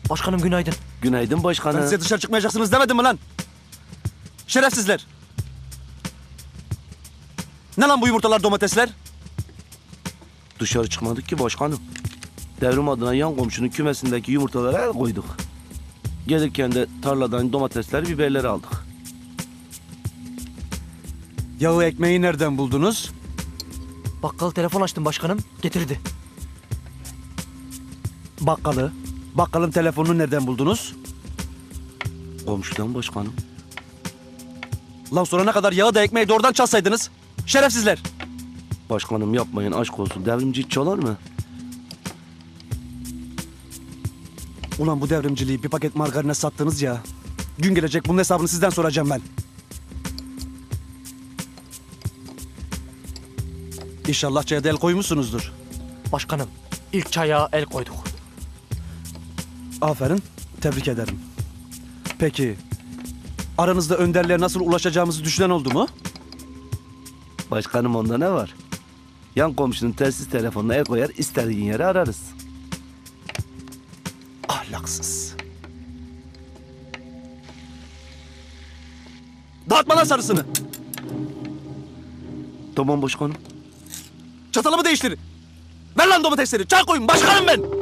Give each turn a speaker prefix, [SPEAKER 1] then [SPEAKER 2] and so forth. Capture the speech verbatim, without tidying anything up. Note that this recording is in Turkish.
[SPEAKER 1] Başkanım günaydın.
[SPEAKER 2] Günaydın başkanım.
[SPEAKER 3] Ben size dışarı çıkmayacaksınız demedim mi lan? Şerefsizler. Ne lan bu yumurtalar, domatesler?
[SPEAKER 2] Dışarı çıkmadık ki başkanım. Devrim adına yan komşunun kümesindeki yumurtalara el koyduk. Gelirken de tarladan domatesler, biberleri aldık.
[SPEAKER 3] Yağı ekmeği nereden buldunuz?
[SPEAKER 1] Bakkal telefon açtım başkanım. Getirdi.
[SPEAKER 3] Bakkalı. Bakkalın telefonunu nereden buldunuz?
[SPEAKER 2] Komşudan başkanım.
[SPEAKER 3] Lan sorana kadar yağı da ekmeği de oradan çalsaydınız. Şerefsizler.
[SPEAKER 2] Başkanım yapmayın, aşk olsun. Devrimci hiç çalar mı?
[SPEAKER 3] Ulan bu devrimciliği bir paket margarine sattınız ya. Gün gelecek bunun hesabını sizden soracağım ben. İnşallah çaya da el koymuşsunuzdur.
[SPEAKER 1] Başkanım ilk çaya el koyduk.
[SPEAKER 3] Aferin, tebrik ederim. Peki, aranızda önderliğe nasıl ulaşacağımızı düşünen oldu mu?
[SPEAKER 2] Başkanım onda ne var? Yan komşunun telsiz telefonuna el koyar, istediğin yere ararız.
[SPEAKER 3] Ahlaksız. Dağıtma lan sarısını.
[SPEAKER 2] Tamam başkanım.
[SPEAKER 3] Çatalımı değiştir. Ver lan domatesleri. Çay koyun. Başkanım ben.